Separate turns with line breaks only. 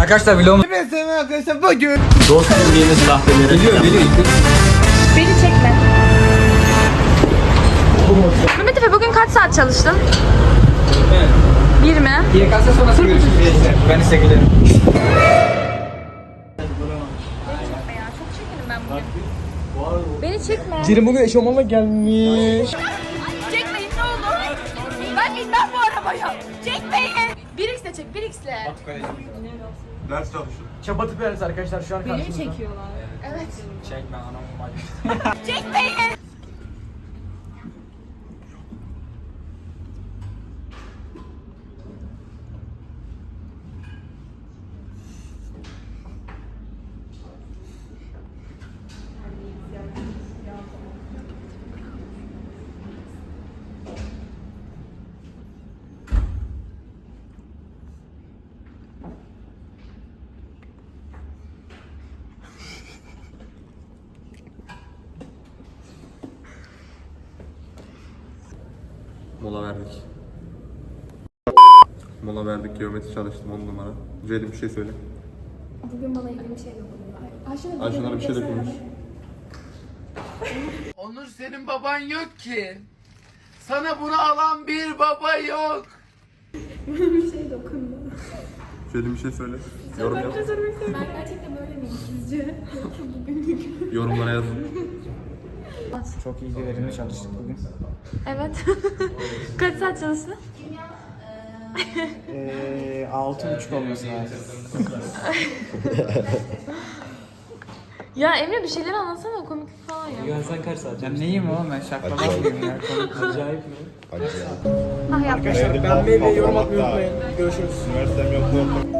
Arkadaşlar vlogum
Ben sana arkadaşlar bugün
Dost bildiğiniz kahvelere
geliyor.
Beni çekme. Mehmet Efe bugün kaç saat çalıştın?
Evet.
1 mi?
YKS sonrası görüşürüz gençler. Ben size gülerim.
Beni çekme ya. Çok çekinim ben bugün. Beni çekme.
Cirim bugün eşofmanla gelmiş.
Çekmeyin ne olur. Ben bilmem bu arabaya. Çekmeyin. 1x'le çek 1x'le.
Ders çalışın.
Çabatı veririz arkadaşlar şu an karşımızda.
Evet.
Çekme anam.
Çekmeyin.
Mola verdik. Mola verdik, geometri çalıştım 10 numara. Ceylin bir şey söyle.
Bugün bana ilgili bir şey yok.
Ayşenur'a bir şey de konuş.
Onur senin baban yok ki. Sana bunu alan bir baba yok.
Ceylin bir şey söyle. Yorum yap.
Ben gerçekten böyle miyim sizce?
Yorumlara yazın.
Çok iyi verimli çalıştık bugün.
Evet. Kaç saat çalıştın?
6.30 olması lazım.
Ya Emre bir şeyler anlatsana komiklik falan ya.
Ya sen kaç saat?
Ben neyim oğlum ben şaklamak mıyım ya?
Acayip mi?
Ah yapma.
Ben beğenmeyi ve yorum atmayı unutmayın. Görüşürüz.
Üniversitem yok.